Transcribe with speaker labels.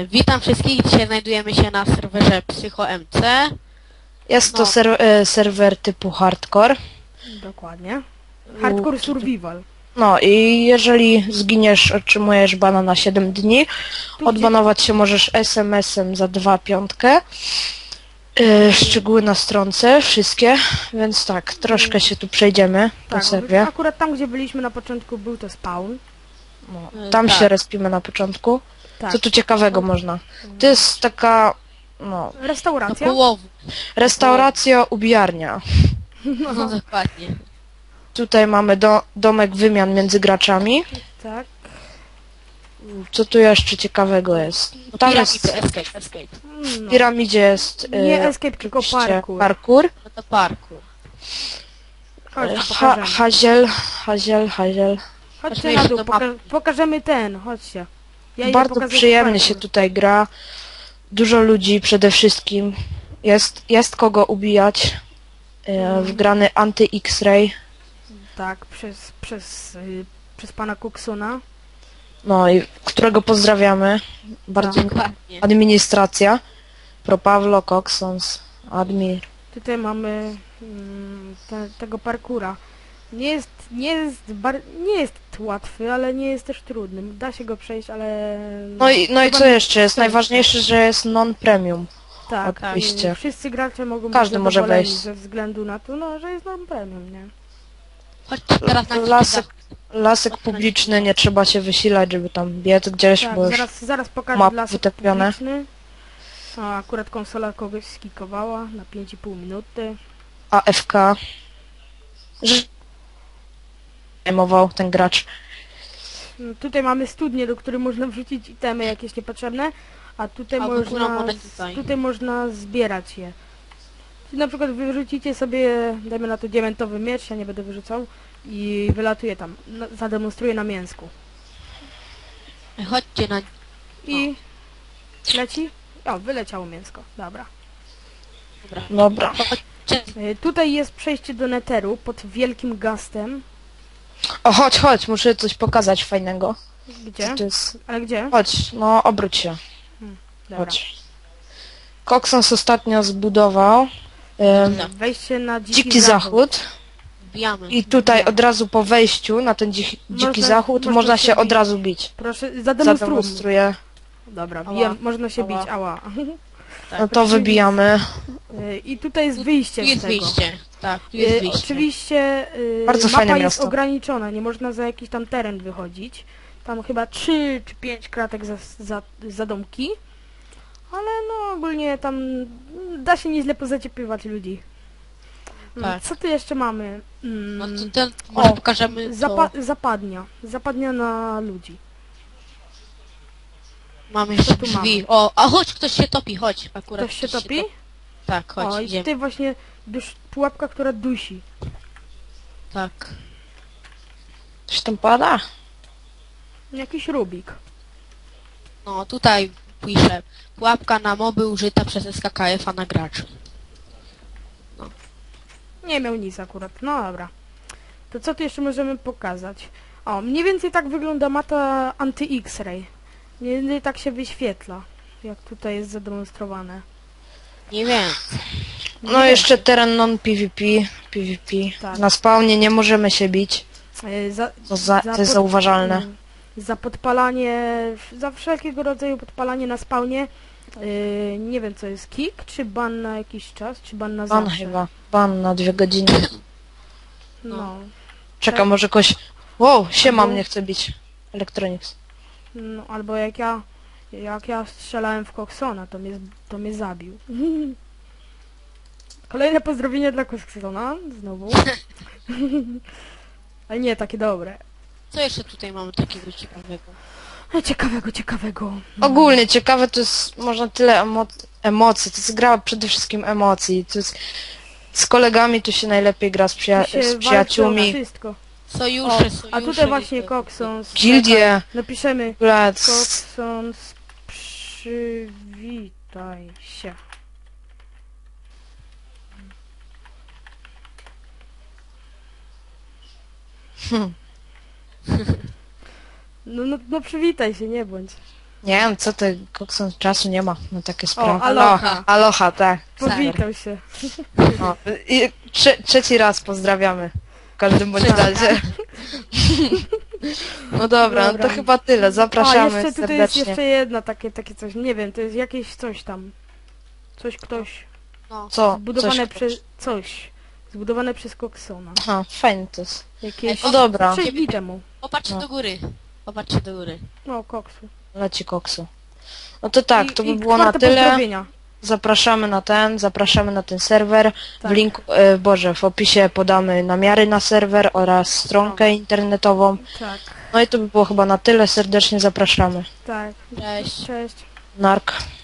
Speaker 1: Witam wszystkich, dzisiaj znajdujemy się na serwerze PsychoMC.
Speaker 2: Jest to serwer typu hardcore.
Speaker 3: Dokładnie. Hardcore survival.
Speaker 2: No i jeżeli zginiesz, otrzymujesz bana na 7 dni. Odbanować się możesz SMS-em za 2,5. Szczegóły na stronce, wszystkie, więc tak, troszkę się tu przejdziemy po
Speaker 3: Tak,
Speaker 2: serwie.
Speaker 3: akurat tam, gdzie byliśmy na początku, był to spawn.
Speaker 2: No, tam
Speaker 1: tak.
Speaker 2: się respimy na początku.
Speaker 3: Tak.
Speaker 2: Co tu ciekawego można? To jest taka, no,
Speaker 3: Restauracja.
Speaker 1: Połowów.
Speaker 2: restauracja, ubijarnia.
Speaker 1: No dokładnie.
Speaker 2: Tutaj mamy domek wymian między graczami.
Speaker 3: Tak.
Speaker 2: Co tu jeszcze ciekawego jest? Tam jest...
Speaker 1: Piramidy, escape.
Speaker 2: W
Speaker 3: No.
Speaker 2: piramidzie jest
Speaker 3: Nie escape, tylko
Speaker 2: oczywiście
Speaker 3: parkour.
Speaker 1: No to parku.
Speaker 3: Chodź, pokażemy.
Speaker 2: Haziel.
Speaker 3: Chodźcie na dół,
Speaker 1: do mapy.
Speaker 3: pokażemy ten, chodźcie. Ja idę
Speaker 2: Bardzo
Speaker 3: pokazać
Speaker 2: przyjemnie się
Speaker 3: parkour.
Speaker 2: tutaj gra. Dużo ludzi przede wszystkim. Jest kogo ubijać. Wgrany anty-X-ray.
Speaker 3: Tak, przez pana Coxona.
Speaker 2: No i którego pozdrawiamy. Bardzo
Speaker 1: Dokładnie.
Speaker 2: administracja. Pro Pawlo, Coxons, admin.
Speaker 3: Tutaj mamy tego parkura. Nie jest łatwy, ale nie jest też trudny. Da się go przejść, ale...
Speaker 2: No i
Speaker 3: chyba
Speaker 2: co jeszcze jest?
Speaker 3: przejść.
Speaker 2: Najważniejsze, że jest non-premium.
Speaker 3: Tak,
Speaker 2: oczywiście.
Speaker 3: Wszyscy gracze mogą
Speaker 2: Każdy
Speaker 3: być
Speaker 2: może
Speaker 3: zadowoleni
Speaker 2: wejść.
Speaker 3: ze względu na to, no, że jest non-premium, nie?
Speaker 1: Chodźcie teraz na
Speaker 2: Lasek publiczny, nie trzeba się wysilać, żeby tam biec gdzieś,
Speaker 3: Tak,
Speaker 2: bo już
Speaker 3: zaraz pokażę
Speaker 2: mapy
Speaker 3: lasek
Speaker 2: wytopione.
Speaker 3: publiczny. O, akurat konsola kogoś skikowała na 5,5 minuty.
Speaker 2: AFK. Zajmował ten gracz.
Speaker 3: No, tutaj mamy studnię, do której można wrzucić itemy jakieś niepotrzebne, a tutaj
Speaker 1: Albo monety tutaj.
Speaker 3: tutaj można zbierać je. Czyli na przykład wyrzucicie sobie, dajmy na to diamentowy miecz, ja nie będę wyrzucał, i wylatuje tam, zademonstruję na mięsku.
Speaker 1: Chodźcie na...
Speaker 3: I leci? O, wyleciało mięsko, dobra.
Speaker 2: Dobra.
Speaker 1: Chodźcie.
Speaker 3: Tutaj jest przejście do Netheru pod wielkim gastem.
Speaker 2: O, chodź, muszę coś pokazać fajnego.
Speaker 3: Gdzie?
Speaker 2: Co to jest?
Speaker 3: Ale gdzie?
Speaker 2: Chodź, no obróć się.
Speaker 3: Dobra.
Speaker 2: Chodź. Coxons ostatnio zbudował
Speaker 3: Wejście na
Speaker 2: dziki zachód.
Speaker 1: Wbijamy.
Speaker 2: I tutaj od razu po wejściu na ten dziki
Speaker 3: Można-
Speaker 2: zachód
Speaker 3: można
Speaker 2: można
Speaker 3: się
Speaker 2: się od
Speaker 3: bić.
Speaker 2: razu bić.
Speaker 3: Proszę, zademonstruj.
Speaker 2: Zademonstruję.
Speaker 3: Dobra,
Speaker 2: Ała.
Speaker 3: można się
Speaker 2: Ała.
Speaker 3: bić, ała.
Speaker 2: No to wybijamy.
Speaker 3: I tutaj jest wyjście
Speaker 1: Tu jest
Speaker 3: z tego.
Speaker 1: wyjście. Tak, tu jest wyjście.
Speaker 3: Oczywiście
Speaker 2: Bardzo
Speaker 3: mapa
Speaker 2: fajne
Speaker 3: jest
Speaker 2: miasto.
Speaker 3: ograniczona, nie można za jakiś tam teren wychodzić. Tam chyba 3 czy 5 kratek za domki. Ale no ogólnie tam da się nieźle pozaciepywać ludzi.
Speaker 1: Tak.
Speaker 3: Co tu jeszcze mamy?
Speaker 1: No to ten, może pokażemy co...
Speaker 3: Zapadnia na ludzi.
Speaker 1: Mamy jeszcze
Speaker 3: tu
Speaker 1: drzwi. O, a chodź, ktoś się topi, chodź. Akurat
Speaker 3: Ktoś się topi?
Speaker 1: Tak, chodź,
Speaker 3: O, i
Speaker 1: idziemy.
Speaker 3: tutaj właśnie pułapka, która dusi.
Speaker 1: Tak.
Speaker 2: Coś tam pada?
Speaker 3: Jakiś Rubik.
Speaker 1: No, tutaj piszę. Pułapka na moby użyta przez SKKF-a na graczu.
Speaker 3: Nie miał nic akurat, no dobra. To co tu jeszcze możemy pokazać? O, mniej więcej tak wygląda mata anty-X-ray. Mniej więcej tak się wyświetla, jak tutaj jest zademonstrowane.
Speaker 1: Nie wiem.
Speaker 2: No jeszcze teren non-PvP. PvP.
Speaker 3: Tak.
Speaker 2: Na spawnie nie możemy się bić. To jest zauważalne.
Speaker 3: Za podpalanie, za wszelkiego rodzaju podpalanie na spawnie, nie wiem co jest, kick, czy ban na jakiś czas, czy ban na
Speaker 2: Ban
Speaker 3: zawsze?
Speaker 2: chyba. Ban na 2 godziny.
Speaker 3: No.
Speaker 2: Czekam, może kogoś... Wow, siema,
Speaker 3: Albo-
Speaker 2: mnie chce bić. Electronics.
Speaker 3: No, albo jak ja strzelałem w Coxona, to mnie zabił. Kolejne pozdrowienie dla Coxona, znowu. Ale nie, takie dobre.
Speaker 1: Co jeszcze tutaj mamy takiego ciekawego?
Speaker 3: Ciekawego.
Speaker 2: Ogólnie ciekawe to jest, można tyle emocji, to jest gra przede wszystkim emocji, to jest, z kolegami tu się najlepiej gra, z
Speaker 3: Tu się walczy o
Speaker 2: przyjaciółmi,
Speaker 3: wszystko.
Speaker 1: Sojusze.
Speaker 3: A tutaj właśnie Coxons.
Speaker 2: gildie,
Speaker 3: Napiszemy
Speaker 2: Blad,
Speaker 3: Coxons, przywitaj się. No przywitaj się, nie bądź.
Speaker 2: Nie wiem, co ty, Kokson, czasu nie ma na takie sprawy.
Speaker 3: aloha.
Speaker 2: Aloha, tak.
Speaker 3: Powitał się.
Speaker 2: O, i trzeci raz pozdrawiamy. W każdym bądź razie. No dobra, no
Speaker 3: Dobra.
Speaker 2: to chyba tyle.
Speaker 3: A,
Speaker 2: Zapraszamy
Speaker 3: jeszcze tutaj jest
Speaker 2: serdecznie.
Speaker 3: jeszcze jedno takie coś, nie wiem, to jest jakieś coś tam. Coś ktoś.
Speaker 1: No.
Speaker 2: Co?
Speaker 3: Zbudowane
Speaker 2: Coś...
Speaker 3: przez... Coś. Zbudowane przez Coxona.
Speaker 2: Aha, fajnie to jest.
Speaker 3: Jakieś...
Speaker 2: No dobra,
Speaker 3: 6 dni temu.
Speaker 1: Popatrzcie
Speaker 2: No.
Speaker 1: do góry. Popatrzcie do góry.
Speaker 3: No, koksu.
Speaker 2: leci koksu. No to tak, to by
Speaker 3: I
Speaker 2: było na
Speaker 3: czwarte
Speaker 2: tyle.
Speaker 3: pozdrowienia.
Speaker 2: Zapraszamy na ten serwer.
Speaker 3: Tak.
Speaker 2: W linku, w opisie podamy namiary na serwer oraz stronkę internetową.
Speaker 3: Tak,
Speaker 2: No i to by było chyba na tyle. Serdecznie zapraszamy.
Speaker 3: tak.
Speaker 1: Cześć.
Speaker 3: Cześć.
Speaker 2: Nark.